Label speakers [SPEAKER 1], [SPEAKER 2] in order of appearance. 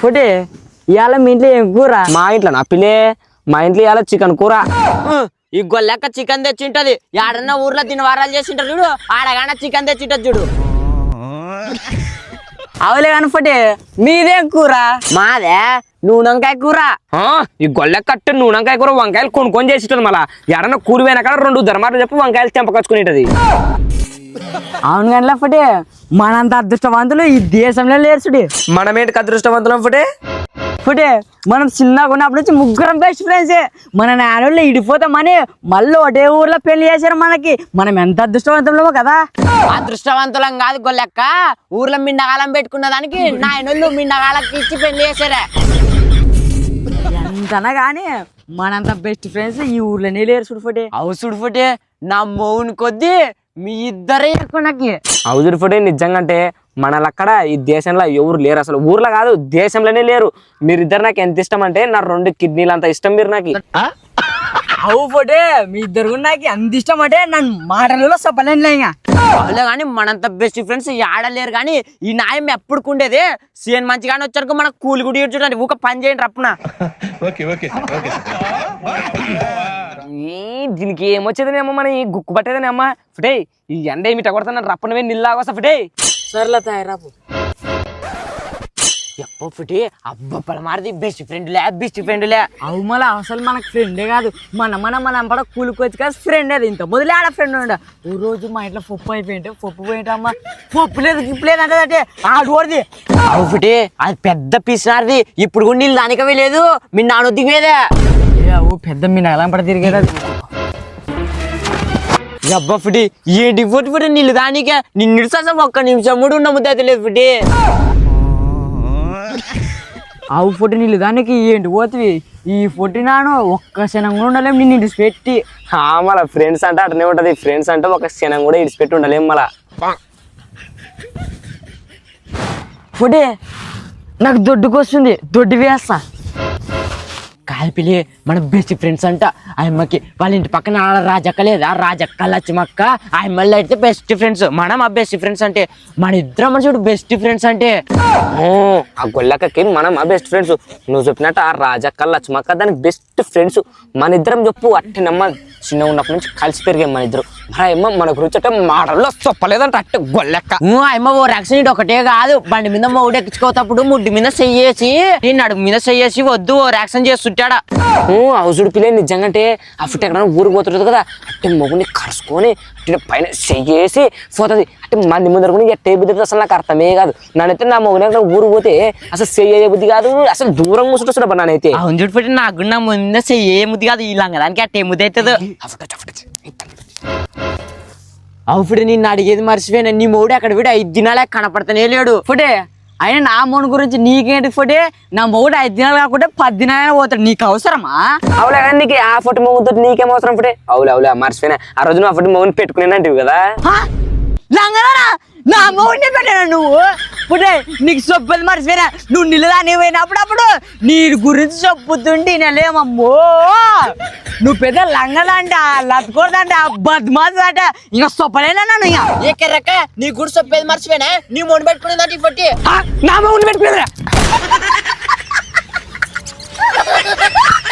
[SPEAKER 1] ఫుడే ఇవాళ మీ ఇంట్లో ఏం కూర?
[SPEAKER 2] మా ఇంట్లో నా పిల్లే మా ఇంట్లో ఇవాళ చికెన్ కూర.
[SPEAKER 3] ఈ గొల్లెక్క చికెన్ తెచ్చింటది. ఆడన్నా ఊర్లో తిని వారాలు చేసింటారు చూడు, ఆడగానే చికెన్ తెచ్చింటది చూడు.
[SPEAKER 1] అవులే కానీ ఫుడే మీదేం కూర?
[SPEAKER 3] మాదే నూనెంకాయ కూర.
[SPEAKER 2] ఈ గొల్లె కట్టు నూనెంకాయ కూర వంకాయలు కొనుక్కొని చేసిటది. మళ్ళా ఎడన్నా కూలి పోయినా కాడ 2 ధర్మాలు చెప్పి వంకాయలు తెంపకొచ్చుకునేటది.
[SPEAKER 1] అవును కానీ ఫుడే మనంత అదృష్టవంతులు ఈ దేశంలో లేరు చూడు.
[SPEAKER 2] మనమేంటికి అదృష్టవంతులం ఫుడే?
[SPEAKER 1] ఫుడే మనం చిన్నగా ఉన్నప్పటి నుంచి ముగ్గురం బెస్ట్ ఫ్రెండ్సే. మన నాన్నోళ్ళు ఇడిపోతామని మళ్ళీ ఒకటే ఊర్లో పెళ్లి చేశారు మనకి. మనం ఎంత అదృష్టవంతులమో కదా.
[SPEAKER 3] అదృష్టవంతులం కాదు గొల్లెక్క, ఊర్లో మిండగాలం పెట్టుకున్న దానికి నాయనోళ్ళు మిండగాలకి ఇచ్చి పెళ్లి చేశారే.
[SPEAKER 1] ఎంతనా కానీ మనంత బెస్ట్ ఫ్రెండ్స్ ఈ ఊర్లోనే లేరు చూడు ఫుడే.
[SPEAKER 3] అవు చూడు ఫుటే నా మౌని కొద్దీ మీ ఇద్దరే ఎక్కువ నాకు.
[SPEAKER 2] అవుజుడు ఫుడే నిజంగా అంటే మనలక్కడ ఈ దేశంలో ఎవరు లేరు, అసలు ఊర్లో కాదు దేశంలోనే లేరు. మీరిద్దరు నాకు ఎంత ఇష్టం అంటే నా 2 కిడ్నీలు అంత ఇష్టం మీరు నాకు.
[SPEAKER 1] అవు ఫుడే మీ ఇద్దరు నాకు అంత ఇష్టం అంటే నన్ను మాటలలో చెప్పలేనులే. ఇంకా
[SPEAKER 3] వాళ్ళే కానీ మనంత బెస్ట్ ఫ్రెండ్స్ ఆడలేరు. కానీ ఈ న్యాయం ఎప్పుడుకుండేది సీఎన్ మంచిగానే వచ్చారు మనకు కూలి గుడి చూడండి ఊక పని చేయండి రప్పున.
[SPEAKER 2] దీనికి ఏమొచ్చేదని అమ్మ మన ఈ గుక్కు పట్టేదని అమ్మ ఫుడే. ఈ ఎండ ఏమిట కొడతా రప్పనవే నిల్లాగొస్తా ఫుడే.
[SPEAKER 1] సర్లే తయారాపు.
[SPEAKER 3] ఎప్పో ఫుటి అబ్బ మారిది బెస్ట్ ఫ్రెండ్లే.
[SPEAKER 1] అవు మళ్ళీ అసలు మనకు ఫ్రెండే కాదు, మన పడ కూలికొచ్చి కాదు ఫ్రెండ్. అది ఇంత మొదలే ఆడ ఫ్రెండ్ ఉండ. ఓ రోజు మా ఇంట్లో పప్పు అయిపోయింటే పప్పు పోయింటమ్మా పప్పు లేదు గిప్పు లేదు అంటే ఆడోడిది.
[SPEAKER 3] అవు ఫుటి అది పెద్ద పిసినారిది. ఇప్పుడు కూడా నీళ్ళు దానికవే లేదు, మీ నాన్న దిగేదే.
[SPEAKER 1] అవు పెద్ద మీ నెలం పడ తిరిగేది.
[SPEAKER 3] అబ్బా ఫుటి ఏంటి ఫుటి నీళ్ళు దానికే నిన్ను ససం ఒక్క నిమిషం కూడా ఉన్న ముద్ద అయితే లేదు ఫుటి.
[SPEAKER 1] ఆవు ఫుడ్ నీళ్ళు దానికి ఏంటి పోతుంది ఈ ఫుడ్ నాను ఒక్క క్షణం కూడా ఉండలేము నిన్ను ఇడిచిపెట్టి.
[SPEAKER 2] మళ్ళా ఫ్రెండ్స్ అంటే అట్నే ఉంటది. ఫ్రెండ్స్ అంటే ఒక క్షణం కూడా ఇడిచిపెట్టి ఉండలేము. మళ్ళా
[SPEAKER 1] ఫుడే నాకు దొడ్డుకు వస్తుంది, దొడ్డు వేస్తా.
[SPEAKER 3] కాల్పిలి మన బెస్ట్ ఫ్రెండ్స్ అంట. ఆయమ్మకి వాళ్ళ ఇంటి పక్కన రాజక్క లేదా, రాజక్క లక్ష్మక్క ఆయమ్మల్లో అయితే బెస్ట్ ఫ్రెండ్స్. మనం ఆ బెస్ట్ ఫ్రెండ్స్ అంటే మన ఇద్దరం మనుషుడు బెస్ట్ ఫ్రెండ్స్ అంటే.
[SPEAKER 2] ఆ గొల్లక్కకి మనం ఆ బెస్ట్ ఫ్రెండ్స్. నువ్వు చెప్పినట్టు ఆ రాజక్క లక్ష్మక్క దానికి బెస్ట్ ఫ్రెండ్స్. మన ఇద్దరం చెప్పు అట్టనమ్మ చిన్న ఉన్నప్పటి నుంచి కలిసి పెరిగాం మన ఇద్దరు. మన అమ్మ మన గురించి అంటే మాటల్లో చెప్పలేదంట అట్ట గొల్లెక్క.
[SPEAKER 3] అమ్మ ఓ యాక్సిడెంట్ ఒకటే కాదు, బండి మీద మౌడు ఎక్కించుకోతప్పుడు ముడ్డి మీద చెయ్యేసి నేను అడుగు మీద చెయ్యేసి వద్దు ఓ యాక్షన్ చేస్తుంటాడా.
[SPEAKER 2] హౌసుడు పిల్లే నిజంగా అంటే ఆ ఫుట్ ఎక్కడ ఊరికి పోతుంటది కదా, అంటే మొగుని కరుచుకొని పైన చెయ్యేసి పోతుంది. అంటే మంది ముందర కూడా ఎట్టే బుద్ధి అసలు నాకు అర్థమే కాదు. నన్నైతే నా మొగుని అక్కడ ఊరికి పోతే అసలు చెయ్యే బుద్ధి కాదు, అసలు దూరం కూర్చుంటా నానైతే.
[SPEAKER 3] అవును చూడు పెట్టి నాకు నా ముందే చెయ్యే ముద్ది కాదు, ఇలా దానికి అట్టే ముద్ది అవుతుంది. అవు ఫుడే నిన్ను అడిగేది మర్చిపోయినా, నీ మౌడు అక్కడ విడి 5 దినాలే కనపడతానే లేడు.
[SPEAKER 1] ఫుడే అయినా నా మౌని గురించి నీకేంటి ఫుడే? నా మౌడు 5 దినాలు కాకుంటే 10 దినాలైనా పోతాడు, నీకు అవసరమా?
[SPEAKER 2] అవులే కానీ నీకు ఆ ఫోటో మొగుతో నీకేం అవసరం ఫుడే? అవులే మర్చిపోయినా ఆ రోజు ఆ ఫోటో మొగుని పెట్టుకునేనంటివి కదా.
[SPEAKER 1] లంగనా నా మౌడిని పెట్టాను నువ్వు ఫుడే. నీకు చెప్పేది మర్చిపోయినా, నువ్వు నిలదాన్ని పోయినప్పుడప్పుడు నీ గురించి చెప్పుతుంటే నేలేమమ్మో. నువ్వు పెద్ద లంగదంట, లత్కూడదంట, బద్మాస్ అంట, ఇంకా చెప్పలేనా నన్ను. ఇక
[SPEAKER 3] ఏ కెర్రక్క నీ గుడి చెప్పేది మర్చిపోయినా, నీ మొండి పెట్టుకునేదంటే ఇప్పటి
[SPEAKER 2] నా మొగుని పెట్టుకునేదా.